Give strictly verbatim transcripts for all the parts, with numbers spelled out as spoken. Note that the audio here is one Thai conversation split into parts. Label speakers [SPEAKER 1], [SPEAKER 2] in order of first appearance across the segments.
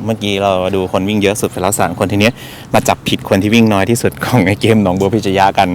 [SPEAKER 1] เมื่อกี้เราดูคนวิ่งเยอะสุดไปแล้วสามคนทีนี้มาจับผิดคนที่วิ่งน้อยที่สุดของในเกมหนองบัวพิชยากัน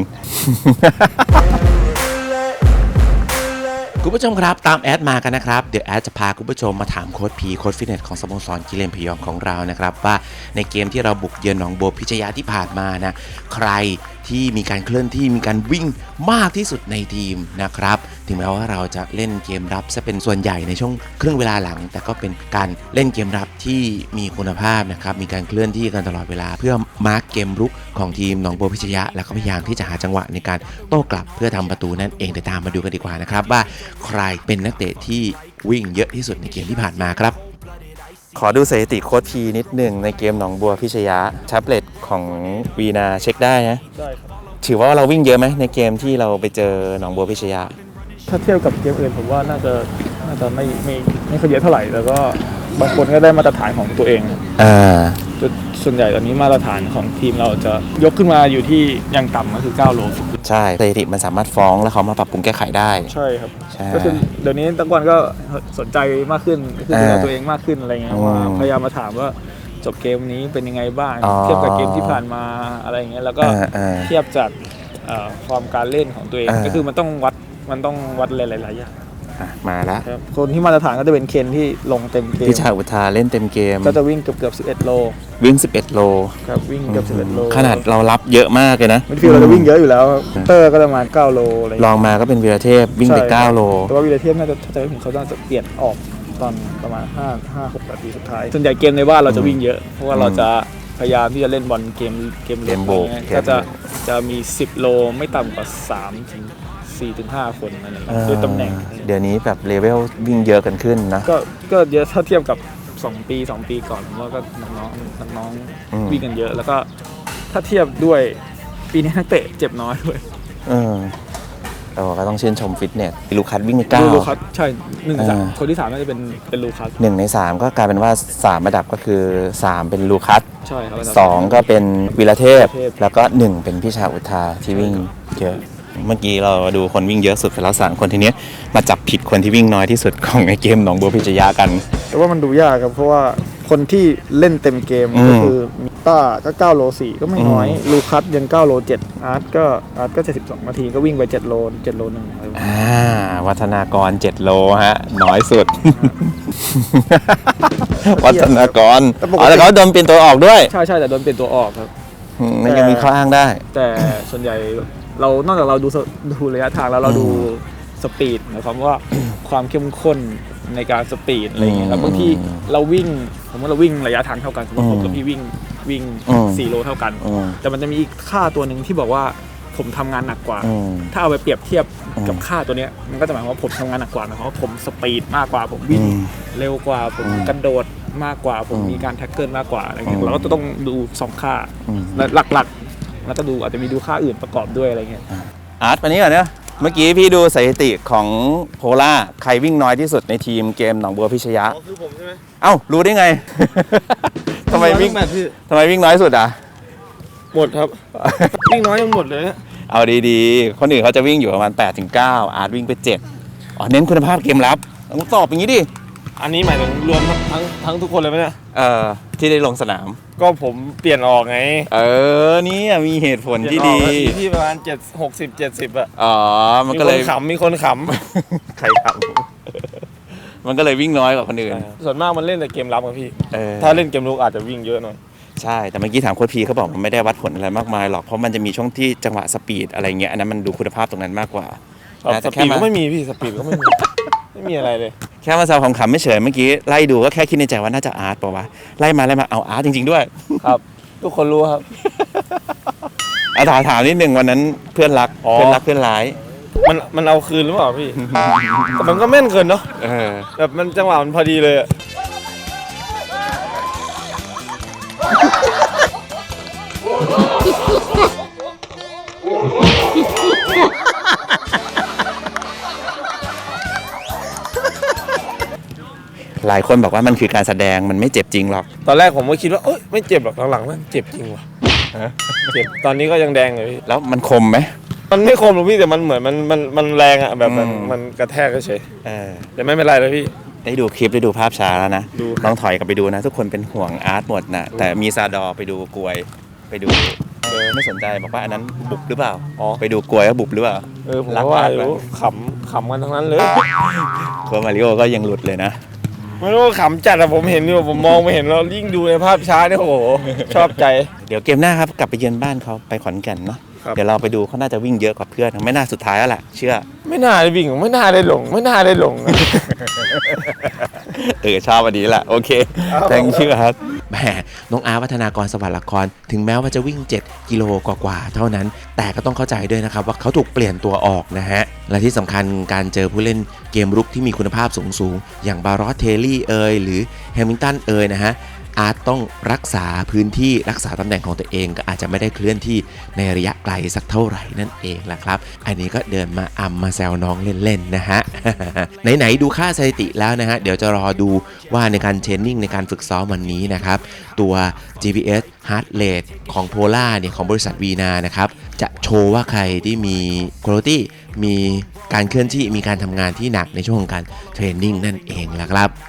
[SPEAKER 1] คุณผู้ชมครับตามแอดมากันนะครับเดี๋ยวแอดจะพาคุณผู้ชมมาถามโค้ชพีโค้ชฟิตเนสของสโมสรกิเลนพยองของเรานะครับว่าในเกมที่เราบุกเยือนหนองบัวพิชยาที่ผ่านมานะใครที่มีการเคลื่อนที่มีการวิ่งมากที่สุดในทีมนะครับถึงแม้ว่าเราจะเล่นเกมรับซะเป็นส่วนใหญ่ในช่วงครึ่งเวลาหลังแต่ก็เป็นการเล่นเกมรับที่มีคุณภาพนะครับมีการเคลื่อนที่กันตลอดเวลาเพื่อมาร์กเกมรุกของทีมหนองบัวพิชยะแล้วก็พยายามที่จะหาจังหวะในการโต้กลับเพื่อทำประตูนั่นเองเดี๋ยวตามมาดูกันดีกว่านะครับว่าใครเป็นนักเตะที่วิ่งเยอะที่สุดในเกมที่ผ่านมาครับขอดูสถิติโค้ชพีนิดหนึ่งในเกมหนองบัวพิชยะแท็บเล็ตของวีนาเช็คได้นะ
[SPEAKER 2] ได้ครับ
[SPEAKER 1] ถือว่าเราวิ่งเยอะไหมในเกมที่เราไปเจอหนองบัวพิชยะ
[SPEAKER 2] ถ้าเทียบกับเกมอื่นผมว่าน่าจะน่าจะไม่ไม่ไม่ค่อยเยอะเท่าไหร่แล้วก็บางคนก็ได้มาตรฐานของตัวเอง
[SPEAKER 1] อ่า
[SPEAKER 2] จุดส่วนใหญ่ตอนนี้มาตรฐานของทีมเราจะยกขึ้นมาอยู่ที่ยังต่ำก็คือเก้าโล
[SPEAKER 1] ใช่สถิติมันสามารถฟ้องแล้วเขามาปรับปรุงแก้ไขได้
[SPEAKER 2] ใช่ครับก็คือเดี๋ยวนี้ตะกอนก็สนใจมากขึ้นคือดูแลตัวเองมากขึ้นอะไรเงี้ยว่าพยายามมาถามว่าจบเกมนี้เป็นยังไงบ้างเทียบกับเกมที่ผ่านมาอะไรเงี้ยแล้วก็เทียบจากความการเล่นของตัวเองก็คือมันต้องวัดมันต้องวัดหลายๆอย่าง
[SPEAKER 1] มาแล้ว
[SPEAKER 2] คนที่มาตรฐานก็จะเป็นเคนที่ลงเต็มเกม
[SPEAKER 1] พิชาอุทาเล่นเต็มเกม
[SPEAKER 2] ก็จะวิ่งเกือบเกือบสิบเอ็ดโล
[SPEAKER 1] วิ่งสิบเอ็ดโล
[SPEAKER 2] ครับวิ่งเกือบสิบเอ็ดโล
[SPEAKER 1] ขนาดเรารับเยอะมากเลยนะ
[SPEAKER 2] มิดฟิลด์เราจะวิ่งเยอะอยู่แล้วเตอร์ก็ประมาณเก้าโลอะไร
[SPEAKER 1] ลองมาก็เป็นวีรเทพวิ่งไปเก้าโล
[SPEAKER 2] แต่ว่าวีรเทพน่าจะถ้าจะถึงเขาจะเปลี่ยนออกตอนประมาณห้า ห้า หกนาทีสุดท้ายส่วนใหญ่เกมในบ้านเราจะวิ่งเยอะเพราะว่าเราจะพยายามที่จะเล่นบอลเกมเกมเล่นก็จะจะมีสิบโลไม่ต่ำกว่าสามถึงสี่ถึงห้าคนอะไรอย่างเงี้ยด้วยตำแหน่ง
[SPEAKER 1] เดี๋ยวนี้แบบเลเวลวิ่งเยอะกันขึ้นนะ
[SPEAKER 2] ก็ก็เยอะถ้าเทียบกับสองปีสองปีก่อนผมว่าก็น้องๆน้องๆวิ่งกันเยอะแล้วก็ถ้าเทียบด้วยปีนี้นักเตะเจ็บน้อยด้วย
[SPEAKER 1] เออเราก็ต้องชื่นชมฟิตเนสลูคัสวิ่งไปเก้า
[SPEAKER 2] ลูคัสใช่หนึ่งสามคนที่สามน่าจะเป็นเป็นลูคัส
[SPEAKER 1] หนึ่งในสามก็กลายเป็นว่าสามระดับก็คือสามเป็นลูคัส
[SPEAKER 2] ใช่ครับ
[SPEAKER 1] สองก็เป็นวีรเทพแล้วก็หนึ่งเป็นพิชาอุทาที่วิ่งเยอะเมื่อกี้เราดูคนวิ่งเยอะสุดไปแล้วสามคนทีนี้มาจับผิดคนที่วิ่งน้อยที่สุดของในเกมหนองบัวพิชยากัน
[SPEAKER 2] แต่ว่ามันดูยากครับเพราะว่าคนที่เล่นเต็มเกมก็คือมิต้าก็เก้าโลสี่ก็ไม่น้อยลูคัสยันเก้าโลเจ็ดอาร์ตก็อาร์ตก็เจ็ดสิบสองนาทีก็วิ่งไปเจ็ดโลเจ็ดโลนึง
[SPEAKER 1] อ่าวัฒนากรเจ็ดโลฮะน้อยสุดวัฒนากรอ๋อแล้วเขาโดนเปลี่ยนตัวออกด้วย
[SPEAKER 2] ใช่ใช่แต่โดนเปลี่ยนตัวออกครับ
[SPEAKER 1] มันยังมีข้ออ้างได้
[SPEAKER 2] แต่ส่วนใหญ่เรานอกจากเราดูดูระยะทางแล้วเราดูสปีดหมายความว่าความเข้มข้นในการสปีดอะไรอย่างเงี้ยแล้วบางทีเราวิ่งสมมติเราวิ่งระยะทางเท่ากันสมมติผมกับพี่วิ่งวิ่งสี่โลเท่ากันแต่มันจะมีอีกค่าตัวหนึ่งที่บอกว่าผมทำงานหนักกว่าถ้าเอาไปเปรียบเทียบกับค่าตัวเนี้ยมันก็จะหมายความว่าผมทำงานหนักกว่าหมายความว่าผมสปีดมากกว่าผมวิ่งเร็วกว่าผมกระโดดมากกว่าผมมีการแท็กเกิลมากกว่าอะไรเงี้ยเราก็จะต้องดูสองค่าหลักๆแล้วก็ดูอาจจะมีดูค่าอื่นประกอบด้วยอะไรเงี้ย
[SPEAKER 1] อาร์ตวันนี้ก่อนเนี่ยเมื่อกี้พี่ดูสถิติของโพล่าใครวิ่งน้อยที่สุดในทีมเกมหนองบัวพิชยะ
[SPEAKER 2] อ๋อคือผมใช่ไหม
[SPEAKER 1] เอ้ารู้ได้ไงทำไมวิ่งทำไมวิ่งน้อยสุดอ่ะ
[SPEAKER 2] หมดครับวิ่งน้อยยังหมดเลย
[SPEAKER 1] เอาดีๆคนอื่นเขาจะวิ่งอยู่ประมาณแปดถึงเก้าอาร์ตวิ่งไปเจ็ดอ๋อเน้นคุณภาพเกมรับต้องตอบอย่างนี้ดิ
[SPEAKER 2] อันนี้หมายถึงรวมทั้งทั้งทุกคนเลยไหมเนี่ย
[SPEAKER 1] เออที่ได้ลงสนาม
[SPEAKER 2] ก็ผมเปลี่ยนออกไง
[SPEAKER 1] เออนี่มีเหตุผลที่ดี
[SPEAKER 2] ที่ประมาณเจ็ดหกสิบเจ็ดสิบอ่ะ
[SPEAKER 1] อ๋อมันก็เลย
[SPEAKER 2] ขำมีคนข
[SPEAKER 1] ำใครขำมันก็เลยวิ่งน้อยกว่าคนอื่น
[SPEAKER 2] ส่วนมากมันเล่นแต่เกมรับอะพี่ถ้าเล่นเกมรุกอาจจะวิ่งเยอะหน่อย
[SPEAKER 1] ใช่แต่เมื่อกี้ถามโค้ชพีเขาบอกมันไม่ได้วัดผลอะไรมากมายหรอกเพราะมันจะมีช่วงที่จังหวะสปีดอะไรเงี้ยอันนั้นมันดูคุณภาพตรงนั้นมากกว่า
[SPEAKER 2] สปีดก็ไม่มีพี่สปีดก็ไม่มีไม่มีอะไรเลย
[SPEAKER 1] แค่มาแซวขำๆไม่เฉยเมื่อกี้ไล่ดูก็แค่คิดในใจว่าน่าจะอาร์ตป่าววะไล่มาไล่มาเอาอาร์ตจริงๆด้วย
[SPEAKER 2] ครับทุกคนรู้ครับ
[SPEAKER 1] อาถามถามนิดนึงวันนั้นเพื่อนรักเพื่อนรักเพื่อนร้าย
[SPEAKER 2] มันมันเอาคืนหรือเปล่าพี่แต่มันก็แม่นเกินเนาะแบบมันจังหวะมันพอดีเลยอะ
[SPEAKER 1] หลายคนบอกว่ามันคือการแสดงมันไม่เจ็บจริงหรอก
[SPEAKER 2] ตอนแรกผมก็คิดว่าเอ้ยไม่เจ็บหรอกหลังๆมันเจ็บจริงว่ะเจ็บตอนนี้ก็ยังแดงเลยพี่
[SPEAKER 1] แล้วมันคมไหม
[SPEAKER 2] มันไม่คมหรอกพี่แต่มันเหมือนมันมันมันแรงอะแบบมันมันกระแทกเฉยแต่ไม่เป็นไรเลยพี่
[SPEAKER 1] ได้ดูคลิปได้ดูภาพช้าแล้วนะ
[SPEAKER 2] ดู
[SPEAKER 1] ลองถอยกลับไปดูนะ ทุกคนเป็นห่วงอาร์ตหมดนะแต่มีซาดอไปดูกลวยไปดูเออไม่สนใจบอกว่าอันนั้นบุบหรือเปล่าอ๋อไปดูกลวยว่าบุบหรือเปล่า
[SPEAKER 2] เออผมก็ว่ารู้ขำขำกันทั้งนั้นเลย
[SPEAKER 1] กลวยมาริโอก็ยังหลุดเลยนะ
[SPEAKER 2] ไม่รู้ขำจัดอะผมเห็นอยู่ผมมองไม่เห็นเรายิ่งดูในภาพช้าเนี่ยโอ้โหชอบใจ
[SPEAKER 1] เดี๋ยวเกมหน้าครับกลับไปเยือนบ้านเขาไปขอนแก่นเนาะ
[SPEAKER 2] ครับ
[SPEAKER 1] เดี๋ยวเราไปดูเขาน่าจะวิ่งเยอะกว่าเพื่อนไม่น่าสุดท้ายแล้วแหละเชื่อ
[SPEAKER 2] ไม่น่าได้วิ่งไม่น่าได้หลงไม่น่าได้หลง
[SPEAKER 1] เออชอบวันนี้แหละโอเค thank you ครับแหมน้องอาร์วัฒนากรสวัสดิ์ละครถึงแม้ว่าจะวิ่งเจ็ดกิโลกว่าๆเท่านั้น แต่ก็ต้องเข้าใจด้วยนะครับว่าเขาถูกเปลี่ยนตัวออกนะฮะและที่สำคัญการเจอผู้เล่นเกมรุกที่มีคุณภาพสูงๆอย่างบารอสเทลลี่เอยหรือแฮมิลตันเอยนะฮะอาจต้องรักษาพื้นที่รักษาตำแหน่งของตัวเองก็อาจจะไม่ได้เคลื่อนที่ในระยะไกลสักเท่าไหร่นั่นเองแหละครับอันนี้ก็เดินมาอำมาแซวน้องเล่นๆนะฮะ ไหนๆดูค่าสถิติแล้วนะฮะเดี๋ยวจะรอดูว่าในการเทรนนิ่งในการฝึกซ้อมวันนี้นะครับตัว จี พี เอส Heart Rate ของ Polar เนี่ยของบริษัทวีนานะครับจะโชว์ว่าใครที่มี quality มีการเคลื่อนที่มีการทำงานที่หนักในช่วงของการเทรนนิ่งนั่นเองแหละครับ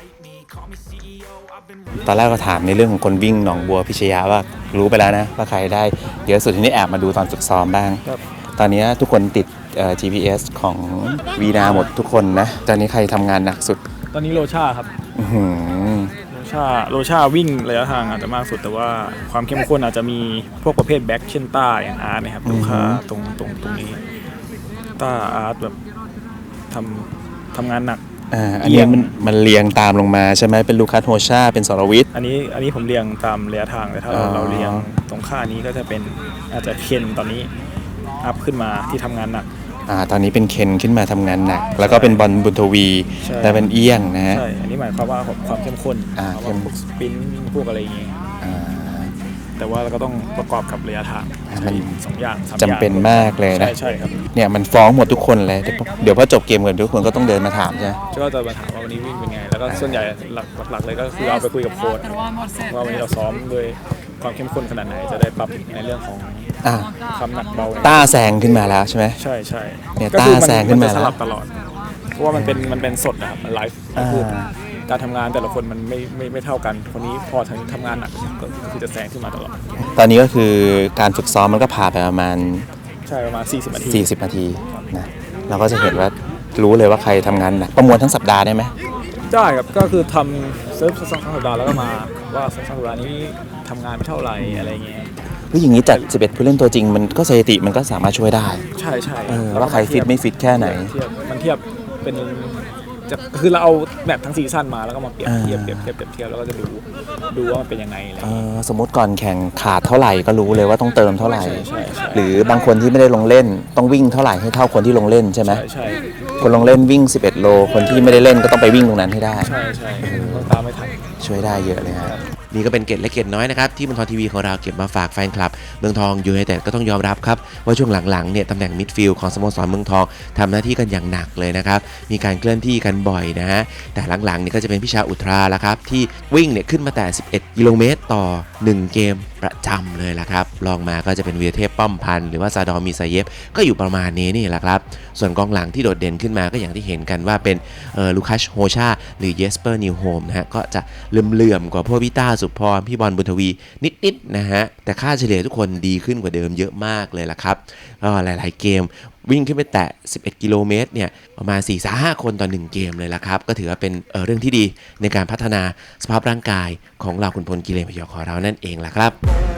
[SPEAKER 1] ตอนแรกก็ถามในเรื่องของคนวิ่งหนองบัวพิชยาว่ารู้ไปแล้วนะว่าใครได้เดี๋ยวสุดที่นี้แอบมาดูตอนฝึกซ้อมบ้าง
[SPEAKER 2] ครับ
[SPEAKER 1] ตอนนี้ทุกคนติด จี พี เอส ของวีนาหมดทุกคนนะตอนนี้ใครทำงานหนักสุด
[SPEAKER 2] ตอนนี้โลชาครับ
[SPEAKER 1] อื้อหือ
[SPEAKER 2] โลชาโลชาวิ่งระยะทางอาจจะมากสุดแต่ว่าความเข้มข้นอาจจะมีพวกประเภทแบ็คเช่นต้าอย่างอาร์ตนะครับลูกค้าตรงตรงตรงนี้ต้าอาร์ตแบบทำทำงานหนัก
[SPEAKER 1] อ่าอันนี้มันมันเรียงตามลงมาใช่ไหมเป็นลูคัสโฮชาเป็นสรวิทย์
[SPEAKER 2] อันนี้อันนี้ผมเรียงตามระยะทางแต่ถ้าเรา
[SPEAKER 1] อ๋อ
[SPEAKER 2] เราเรียงตรงค่านี้ก็จะเป็นอาจจะเคนตอนนี้อัพขึ้นมาที่ทำงานหนัก
[SPEAKER 1] อ่าตอนนี้เป็นเคนขึ้นมาทำงานหนัก แล้วก็เป็นบอลบุญทวี
[SPEAKER 2] ใช่
[SPEAKER 1] และเป็นเอี้ยงนะฮะ
[SPEAKER 2] ใช่อันนี้หมายความว่าความเข้มข้น
[SPEAKER 1] อ่า
[SPEAKER 2] เพราะ
[SPEAKER 1] เข้
[SPEAKER 2] ว่าม พวกสปรินต์พวกอะไรอย่างเงี้ย
[SPEAKER 1] อ่า
[SPEAKER 2] แต่ว่าเราก็ต้องประกอบกับระยะทาง
[SPEAKER 1] อ่ามัน
[SPEAKER 2] สองอย่างสามอย่าง
[SPEAKER 1] จำเป็นมากเลยนะ
[SPEAKER 2] ใช่ใช่ครับ
[SPEAKER 1] เนี่ยมันฟ้องหมดทุกคนเลยเดี๋ยวเดี๋ยวพอจบเกมกันทุกคนก็ต้องเดินมาถามใช่ไหม
[SPEAKER 2] ก็จะมาถามว่าวันนี้วิ่งเป็นไง แล้วก็ส่วนใหญ่หลักหลักๆเลยก็คือเอาไปคุยกับโค้ชว่าวันนี้เราซ้อมด้วยความเข้มข้นขนาดไหนจะได้ปรับในเรื่องของ
[SPEAKER 1] อ่า
[SPEAKER 2] ความหนักเบา
[SPEAKER 1] ต้าแซงขึ้นมาแล้วใช่ไหม
[SPEAKER 2] ใช่ใช่
[SPEAKER 1] เนี่ย
[SPEAKER 2] ก็คือ
[SPEAKER 1] ต้าแซงขึ้นมา
[SPEAKER 2] จะ
[SPEAKER 1] แล้ว
[SPEAKER 2] สลับตลอด เพราะว่ามันเป็นมันเป็นสดนะครับมันไลฟ์
[SPEAKER 1] อ่า
[SPEAKER 2] คือการทำงานแต่ละคนมันไม่ไม่ไม่เท่ากันคนนี้พอทำทำงานหนักก็ก็คือจะแซงขึ้นมาตลอด
[SPEAKER 1] ตอนนี้ก็คือการฝึกซ้อมมันก็ผ่านไปประมาณ
[SPEAKER 2] ใช่ประมาณสี่สิบนาที
[SPEAKER 1] สี่สิบนาทีนะเราก็จะเห็นว่ารู้เลยว่าใครทำงานหนักประมวลทั้งสัปดาห์ได้ไหม
[SPEAKER 2] ได้ครับก็คือทำเซิร์ฟสองสัปดาห์แล้วก็มาว่าสองสัปดาห์นี้ทำงานไปเท่าไหร่อะไรเงี้ย
[SPEAKER 1] เฮ้ยอย่างนี้จัดสิบเอ็ดผู้เล่นตัวจริงมันก็สถิติมันก็สามารถช่วยได้
[SPEAKER 2] ใช่ใช่
[SPEAKER 1] เออว่าใครฟิตไม่ฟิตแค่ไหน
[SPEAKER 2] เทียบมันเทียบเป็นจะคือเราเอาแมตช์ทั้งซีซั่นมาแล้วก็มาเปรียบเทียบ
[SPEAKER 1] อ่า
[SPEAKER 2] เปรียบเทียบเปรียบเทียบแล้วก็จะดูดูว่ามันเป็นยังไงอะไร
[SPEAKER 1] เอ
[SPEAKER 2] เงี้ย
[SPEAKER 1] อสมมติก่อนแข่งขาดเท่าไหร่ก็รู้เลยว่าต้องเติมเท่าไหร่
[SPEAKER 2] ใช่ใช่ใช่
[SPEAKER 1] หรือบางคนที่ไม่ได้ลงเล่นต้องวิ่งเท่าไหร่ให้เท่าคนที่ลงเล่นใช่ไหม
[SPEAKER 2] ใช่ใช่
[SPEAKER 1] คนลงเล่นวิ่งสิบเอ็ดโลคนที่ไม่ได้เล่นก็ต้องไปวิ่งตรงนั้นให้ได้
[SPEAKER 2] ใช่ใช่ต้องตามไม่ทัน
[SPEAKER 1] ช่วยได้เยอะเลยฮะนี่ก็เป็นเกร็ดเล็กเกร็ดน้อยนะครับที่เมืองทองทีวีของเราเก็บมาฝากแฟนคลับเมืองทองยูไนเต็ดก็ต้องยอมรับครับว่าช่วงหลังๆเนี่ยตำแหน่งมิดฟิลด์ของสโมสรเมืองทองทำหน้าที่กันอย่างหนักเลยนะครับมีการเคลื่อนที่กันบ่อยนะฮะแต่หลังๆเนี่ยก็จะเป็นพิชาอุทราแล้วครับที่วิ่งเนี่ยขึ้นมาแต่สิบเอ็ดกิโลเมตรต่อหนึ่งเกมประจำเลยละครับลองมาก็จะเป็นวีรเทพป้อมพันธ์หรือว่าซาดอร์มีซาเยฟก็อยู่ประมาณนี้นี่แหละครับส่วนกองหลังที่โดดเด่นขึ้นมาก็อย่างที่เห็นกันว่าเป็นเอ่อลูคัสโฮชาหรือเยสเปอร์นิวโฮมนะฮะก็จะเลื่อมๆกว่าพวกพี่ต้าสุพรพี่บอลบุญทวีนิดๆนะฮะแต่ค่าเฉลี่ยทุกคนดีขึ้นกว่าเดิมเยอะมากเลยล่ะครับก็หลายๆเกมวิ่งขึ้นไปแตะสิบเอ็ดกิโลเมตรเนี่ยประมาณ สี่ถึงห้า คนต่อหนึ่งเกมเลยล่ะครับก็ถือว่าเป็นเอ่อเรื่องที่ดีในการพัฒนาสภาพร่างกายของเราขุนพลกิเลนพยองของเรานั่นเองล่ะครับ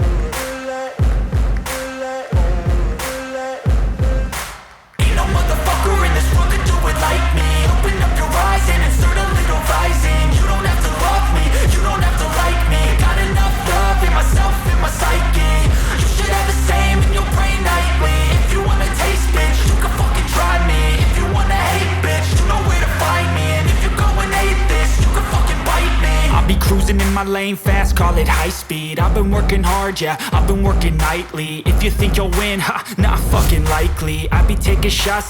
[SPEAKER 3] Cruising in my lane fast, call it high speed. I've been working hard, yeah, I've been working nightly. If you think you'll win, ha, not fucking likely. I be taking shots